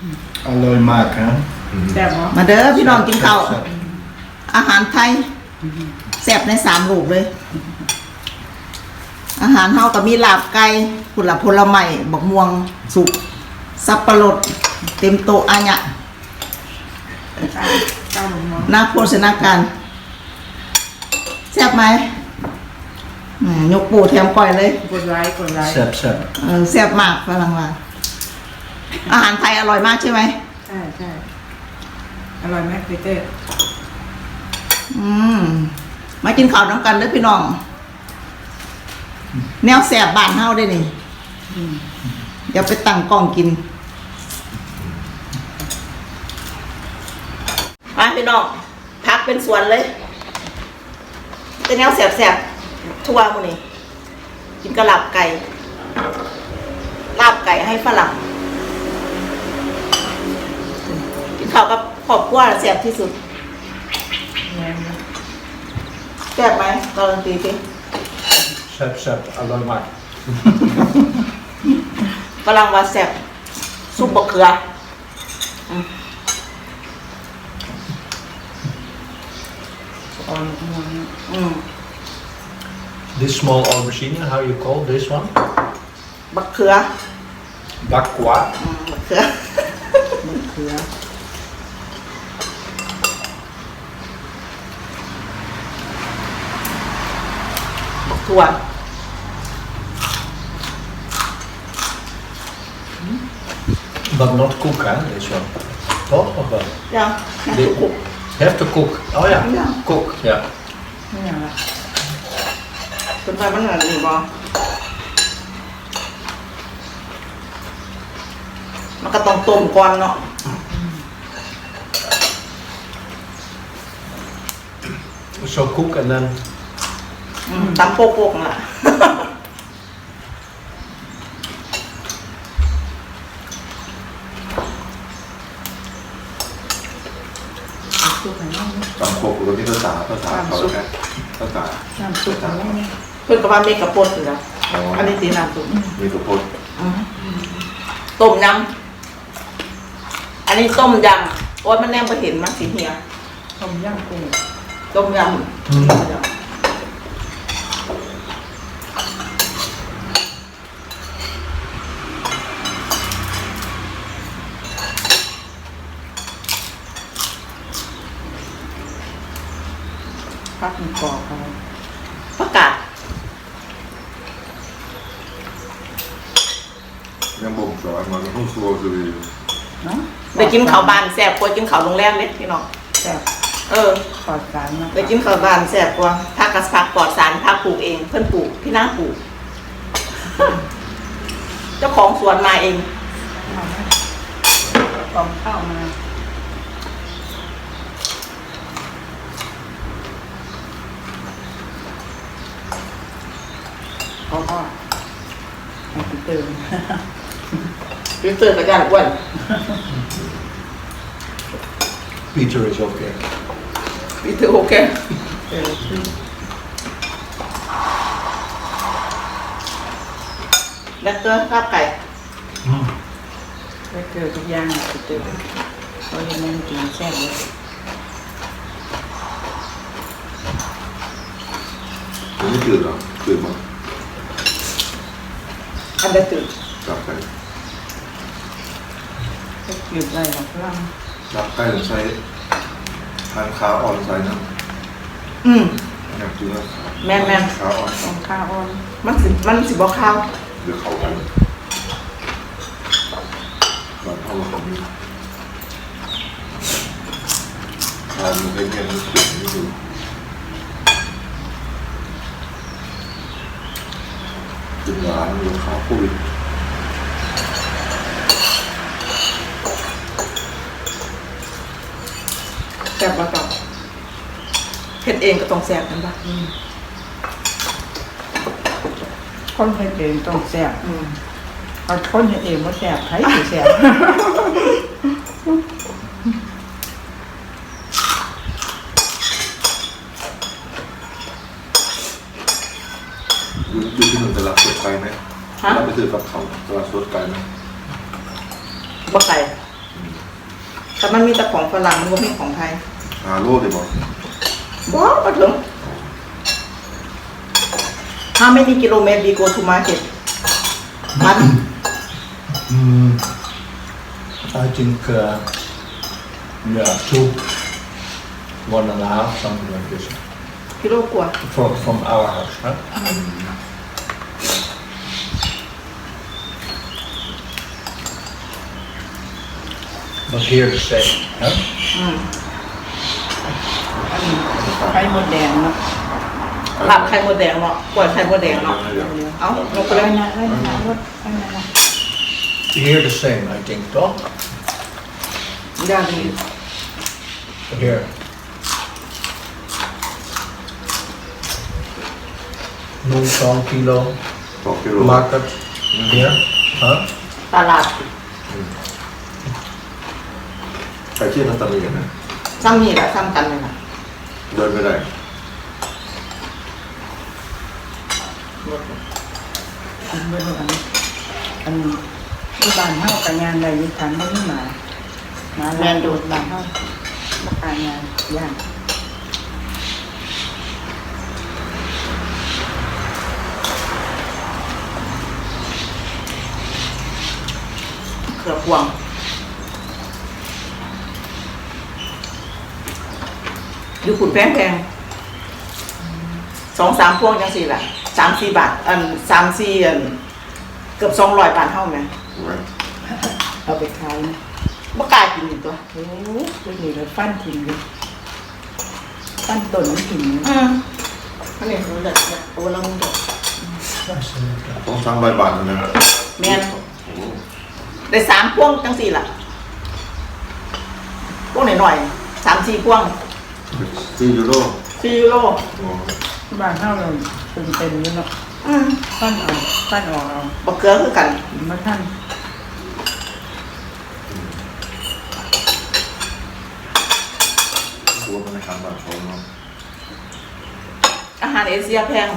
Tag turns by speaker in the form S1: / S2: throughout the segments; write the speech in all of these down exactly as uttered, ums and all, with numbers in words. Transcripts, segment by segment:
S1: อร่อยมากครับ
S2: แต่บอ
S3: มาเด้อพี่น้องกินข้าวอาหารไทยแซ่บในสามลูกเลย อาหารเฮาก็มีลาบไก่ผลผลไม้บักม่วงสุกสับปะรดเต็มโต๊ะอันเนี้ย
S2: เจ้าหลวงมอง
S3: นักโภชนาการแซ่บไหมแหมยกปูแถมก้อยเลย
S2: กดไลค์กดไลค์
S1: แซ่บแซ่บ
S3: เออแซ่บมากฝรั่งว่าอาหารไทยอร่อยมากใช่ไหม
S2: ใช่ใช่อร่อยไหมพีเตอร์
S3: อืมมากินข้าวน้ำกันเด้อพี่น้อง แนวแซ่บบ้านเฮาได้นี่เดี๋ยวไปตั้งกล้องกินมาพี่น้องพักเป็นสวนเลยเป็นแนวแซ่บๆทั่วหมื้นี้กินกระลาบไก่ลาบไก่ให้ฝรั่งกินข้าวกับครอบครัวแซ่บที่สุด
S2: แม่นะ
S3: แซ่บไหมการันตีสิ
S1: แซ่บแซ่บอร่อยมาก
S3: ฝรั่งว่าแซ่บซุปบะเขืออืม
S2: อ่อนมอง
S3: อืม
S1: This small aubergine how you call this one
S3: บะเขือ
S1: bakwa
S3: อืมบะเขือ
S2: มะเขือ
S3: บะถั่ว
S1: but not cook huh this one toch of wel
S3: ยังยังสุกุก
S1: have to cook oh ja
S3: Ja.
S1: cook ja
S2: ไม่อย่างละ
S3: จนไปมันเหนื่อยนี่บอมันก็ต้องต้มก่อนเนาะ
S1: so cook and then
S3: อืมตำโปกๆน่ะ
S2: ซุปอะไรนี่
S4: ตำโคกตัวนี้ภาษาภาษาเขาแค่ภาษา
S2: น้ำซุปอะไรนี่
S3: เพื่อนกับว่าเมกะปนอยู่แล้ว
S4: อ๋อ
S3: อันนี้ตีน้ำซุป
S4: มีกระพด
S3: อืมต้มยำอันนี้ต้มยำโอ๊ยมันแนมไปเห็นมันสีเหีย
S2: ต้มยำกุ้ง
S3: ต้มยำ
S2: ผักมีกรอบเขา
S3: ประกาศ
S4: ยังบ่มสอนมันห้องครัวคือ
S2: เนาะ
S3: ไปกินข้าวบานแซ่บกว่ากินข้าวโรงแรมเล็กพี่น้อง
S2: แซ่บ
S3: เออ
S2: ปลอดสารนะ
S3: ไปกินข้าวบานแซ่บกว่าผักกระผักปลอดสารผักปลูกเอง เพื่อนปลูกพี่นางปลูก เจ้าของสวนมาเอง
S2: เอาไหมกล่องข้าวมาเขาก็ให้พีเตอร์
S3: พี่เตือนกับยานอ้วน
S1: Peter is okay
S3: พี่เตือนโอเค
S2: เออคือ
S3: แล้วก็ข้าวไก่
S2: ไปเจอทุกอย่างพีเตอร์เขาเห็นมันกินแซ่บเลย
S4: มันไม่จืดหรอจืดมั้ง
S3: อันเดอร์ตื่น
S4: จับไป
S2: ก็หยุดอะไรหรอกล่าง
S4: จับใกล้หรือใส่ทานขาอ่อนใส่น้
S3: อืม
S4: ำอยากกินแล้วขา
S3: แม่นแม่น
S4: ขาอ่อน
S2: ตรงข้าวอ่อน
S3: มันสิมันสิบอกข้าว
S4: เดี๋ยวเขากันก่อนเข้ามาตรงนี้ทานมันเป็นยังไงเสียงนี่ดูกินหวานอยู่ข้าวคุย
S3: แซ่บบ่ต้องเฮ็ดเองก็ต้องแซ่บกันบ้าง
S2: คนเฮ็ดเองต้องแซ่บ
S3: อืม
S2: เอาคนเฮ็ดเองว่าแซ่บใครสิแซ่บ
S4: ดูดูที่มันตลาดสดไกลไหม
S3: ฮะ
S4: เราไปซื้อกับเขาตลาดสดไกลไหม
S3: บ่ไก่
S4: อ
S3: แต่มันมีแต่ของฝรั่งมันไม่มีของไทย
S4: หาโลดเลยบอก
S3: ว้าวมาถึง How many kilometers we go to market มัน
S1: Mm, I think, uh, yeah, two, one and a half, something like this.
S3: กิโลกว่า
S1: From, from our house, huh? But here the same, huh?
S3: อืม
S2: อันนี้ไข่มดแดงเนาะ
S3: ลาบไข่มดแดงเนาะกล้วยไข่มดแดงเนาะ เอ้าลงไป
S2: ไข่
S3: เลย
S2: นะไข่นะรสไข่นะ
S1: Here the same, I think, toch?
S3: ย่างดี
S1: Here. Noem zo'n kilo.
S4: สองกิโล
S1: Market. Here, huh?
S3: ตลาด
S4: ใครเชื่อนัตตาลีกันนะ
S3: ซ้ำนี่แหละซ้ำกันเลยนะ
S4: เดินไม่ได้
S2: อันเบอร์อันอันที่บ้านเฮากับงานใดยี่ทันไม่มามาแลนดูบ้านเฮามาการงานย่าง
S3: เขือพวง อยู่ขุนแพงแพงสองสามพวงจังสี่แหละสามสี่บาท อันสามสี่อันเกือบสองร้อยบาทเท่าไหม
S2: เอาไปขายนะ
S3: บ่กล้ากินอีกตัว
S2: โอ้ยเดี๋ยวนี้เราฟันทิ้งเลยฟันต้นมันทิ้ง
S3: อืมอันนี้รู้จักเนี่ยโอ้เราเด็ก
S4: ต้องสร้างใบบานนะ
S3: แม่น
S4: โอ้โห
S3: ได้สามพวงจังสี่ล่ะพวงหน่อยๆสามสี่พวง
S4: สี่ยูโร
S3: สี่ยูโร
S4: โอ้
S2: บ้านเฮาเราเป็นเต็มเลยเนาะ
S3: อืม
S2: ฟันเอาฟันออกเอา
S3: บักเกลือคือกัน
S2: มาท่าน
S4: ตัวมันในคำแบบเขาเนาะ
S3: อาหารเอเชียแพง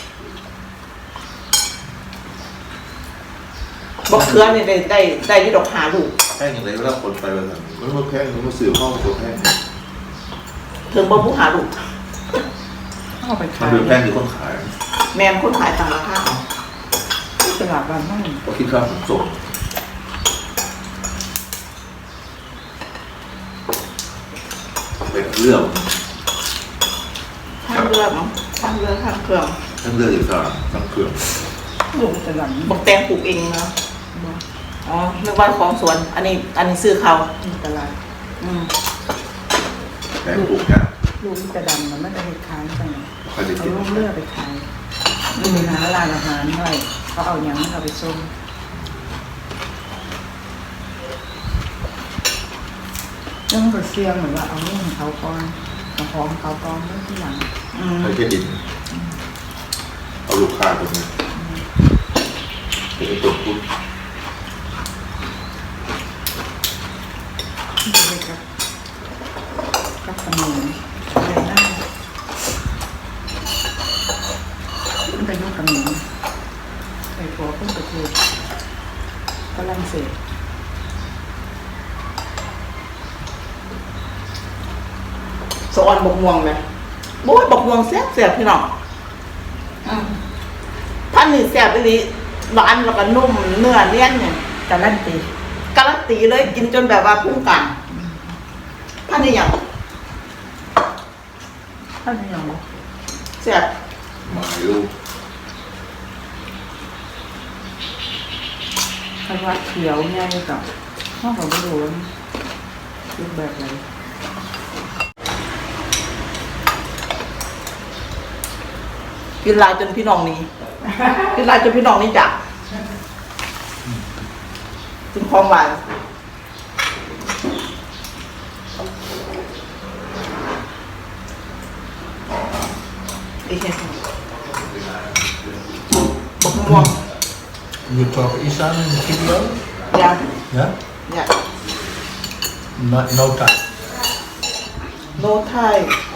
S3: บักเกลือนี่ได้ได้ได้อยี่ดอกหาลูก
S4: แพงอย่างไรก็แล้วคนไปแบบนั้นมันมาแพงมันมาสื่อข้อตัวแพง
S3: ถึงบ่ผู้หาลูก
S2: เอาไป
S4: มัน
S2: ขาย
S4: ดูแพงหรือคนขาย
S3: แมนคนขายตามราคาเอา
S2: ที่ตลาดบ้านเฮา
S4: ก็คิดค่าขนส่งเป็นเรื่อง
S3: ทางเรือเนาะทางเรือทางเครื่อง
S4: ทั้งเรื่องอีกการทั้งเครื่อง
S2: ลูกตลาดนี้
S3: บักแตงปลูกเองเนาะอ๋อนึกว่าของสวน อันนี้อันนี้ซื้อเขา
S2: ตลาด
S3: อืม
S4: แพงปลูกเนี่ย
S2: ลูกกระดำมันไม่ได้ไปขายไป
S4: ใครจะ
S2: เอา
S4: กิน
S2: ลูกเลือไปขายมีร้านร้านอาหารด้วยเขาเอาอย่างนั้นเอาไปส้มเรื่องก็เสี่ยงเหมือนว่าเอาเรื่องของเขาก่อนเอาของเขาก่อนเรื่องที่หลัง
S3: อืม
S4: ใครจะดินเอาลูกค้าตรงนี้เป็นตัวพุทธ
S2: ที่จะไปกับกับขนมอะไรนั่นมันไปยุ่งกับหนูไปขอเพิ่งประเทศฝรั่งเศส
S3: สอนบกม่วงไหมโบ้ยบกม่วงแซ่บแซ่บพี่น้องอืมท่านนี่แซ่บไปเลยหวานแล้วก็นุ่มเนื้อเนียนเนี่ย
S2: การันตี
S3: การันตีเลยกินจนแบบว่าพุ่งกลางท่านนี่อย่าง
S2: ท่านยังบอก
S3: แซ่บ
S4: หมายลูก
S2: ท่านว่าเขียวง่ายกับห้องของไม่รู้ว่ารูปแบบอะไร
S3: กินลายจนพี่น้องหนี้ กินลายจนพี่น้องหนี้จักถึงความหวานอีกเห็นบกม่วง
S1: You talk Isan in the video?
S3: ยา
S1: Yeah?
S3: ยา
S1: No, no time.
S3: โนไทย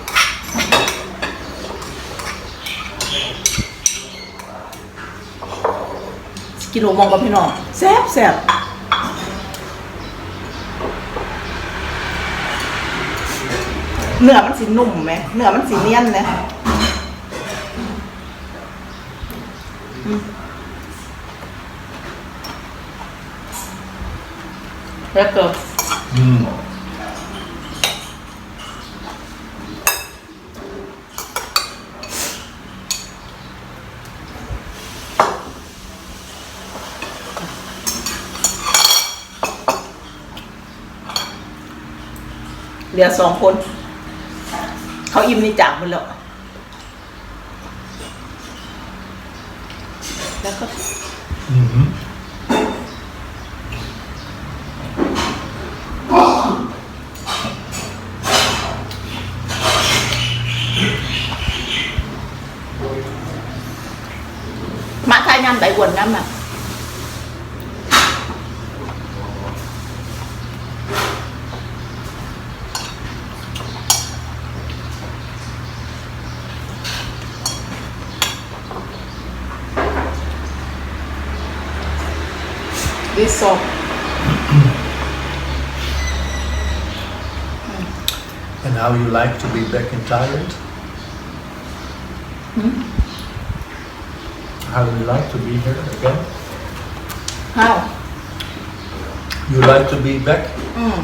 S3: กินหมูมองกับพี่น้องแซ่บแซ่บเนื้อมันสีนุ่มไหมเนื้อมันสีเนียนเลยอืมแล้วก็
S1: Mm.
S3: เหลือสองคน เขาอิ่มนี่จากหมดแล้วแล้วก็
S1: Mm-hmm.
S3: มาทายงานไต้หวันน้ำน่ะดิสอบ
S1: And how you like to be back in Thailand?
S3: Hmm?
S1: How you like to be here again?
S3: how
S1: You like to be back?
S3: อืม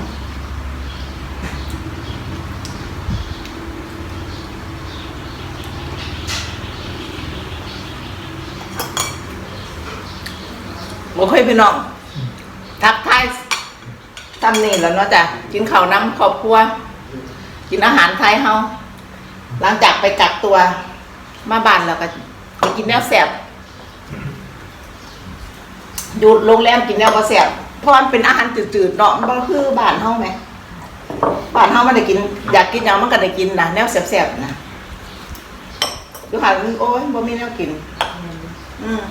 S3: โอเคพี่น้อง ทักทายทำนี่แล้วเนาะจ้ะกินข้าวน้ำครอบครัว กินอาหารไทยเฮาหลังจากไปกักตัวมาบ้านแล้วก็ไปกินแนวแซ่บอยู่โรงแรมกินแนวก็แซ่บเพราะมันเป็นอาหารจืดๆเนาะมันบ่คือบ้านเฮาไหมบ้านเฮามันได้กินอยากกินหยังมันก็ได้กินนะแนวแซ่บๆนะอยู่หันโอ้ยบ่มีแนวกิน อืม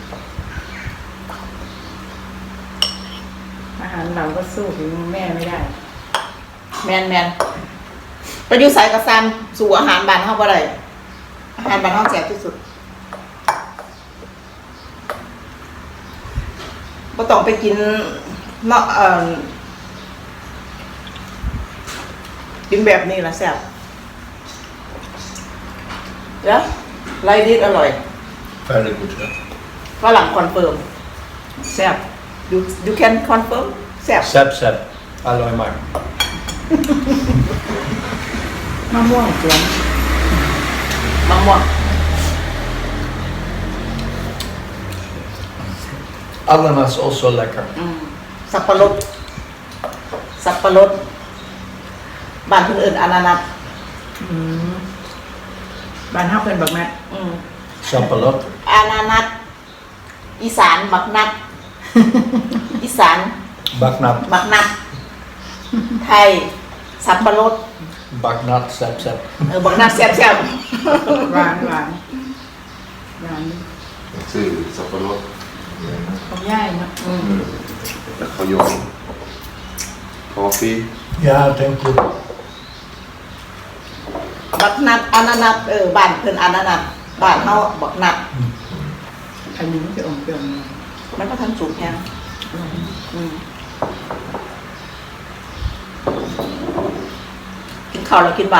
S2: อาหารเราก็สู้ถึงแม่ไม่ได้
S3: แมนแมนไปอยู่สายกระซันสู่อาหารบ้านเฮาบ่ได้อาหารบ้านเฮาแซ่บที่สุดบ่ต้องไปกินเนาะเอ่อกินแบบนี้ล่ะแซ่บแล้วไรดิสอร่อย
S1: Very good. Yeah.
S3: ฝรั่งคอนเฟิร์มแซ่บ you you can confirm แซ่บ
S1: Sep sep. Alloy Mark.
S2: มะม่วงสวน
S3: มะม่วง
S1: Ananas also lekker.
S3: อืมสับปะรดสับปะรดบ้านคนอื่นอานานัส
S2: อืมบ้านเฮาเป็นบักแม่
S3: อืม
S1: Sapalot.
S3: อานานัสอีสานบักนัด อีสาน
S1: Baknat.
S3: บักนัด ไทย สับปะรด
S1: Baknat sep sep.
S3: เออบักนัดแซ่บแซ่บ
S2: หวานหวานหวาน
S4: ชื่อสับปะรด
S2: ของย่ายเนาะ
S3: อืม
S4: แล้วเขาโยนคอฟฟี่
S1: Ja, thank you.
S3: บักนัดอานานัสเออบ้านเพิ่นอานานัสบ้านเฮาบักนัด
S2: อันนี้มันจะอมเปรี้ยวหน่อย
S3: มันก็ทันสุกแฮงอืมกินข้าวแล้วกินหวาน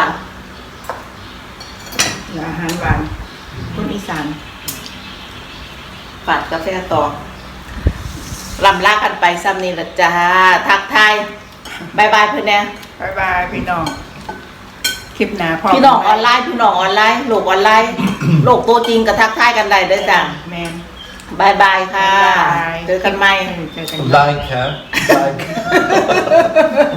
S2: อาหารหวานคนอีสาน
S3: ฝาดกาแฟต่อลำลากันไปซ้ำนี่ละจ้าทักทายบายบายเพื่อนแน่
S2: บายบายพี่น้อง คลิปหน้าพ่อ
S3: พี่น้องออนไลน์พี่น้องออนไลน์โลกออนไลน์ โลกตัวจริงกับทักทายกันได้เด้อจ้า
S2: แมน
S3: บายบายค่ะ
S2: บ๊ายบาย
S3: เจอกันใหม่
S2: เจอกัน
S1: Like, hè? Like.